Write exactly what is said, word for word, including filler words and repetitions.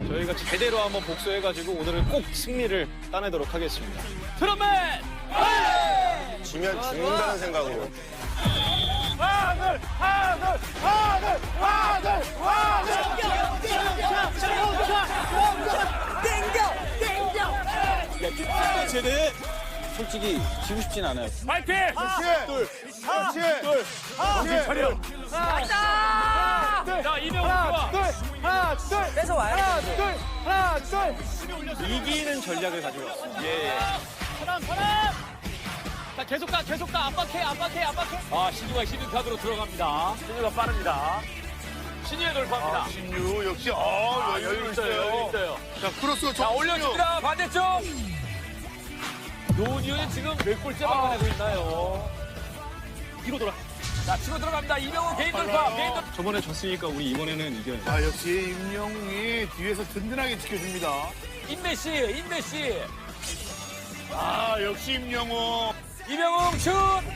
저희가 제대로 한번 복수해가지고 오늘은 꼭 승리를 따내도록 하겠습니다. 트럼펫! 지면 죽는다는 생각으로. 하늘! 하늘! 하늘! 하늘! 하늘! 쟤네 솔직히 지고 싶진 않아요. 파이팅! 둘, 그렇지. 둘, 정신 차려! 가자! 자, 이명훈 좋아! 하나, 둘, 뺏어와요. 하나, 둘, 하나, 둘. 이기는 전략을 가지고 왔습니다. 예, 예. 사람, 사람! 자, 계속 가, 계속 가. 압박해, 압박해, 압박해. 아, 신유가 히든 카드로 들어갑니다. 신유가 빠릅니다. 신유의 돌파입니다. 신유 역시 어 아, 여유 있어요, 여유 있어요. 자 크로스가 자, 올려줍니다. 반대쪽. 노니오는 지금 몇 골째 막아내고 있나요? 뒤로 돌아. 자, 치고 들어갑니다. 이명훈 개인 돌파, 개인 돌파. 저번에 졌으니까 우리 이번에는 이겨야 돼. 아 역시 임영웅이 뒤에서 든든하게 지켜줍니다. 인내씨, 인내씨. 아 역시 임영웅. 이명웅 슛!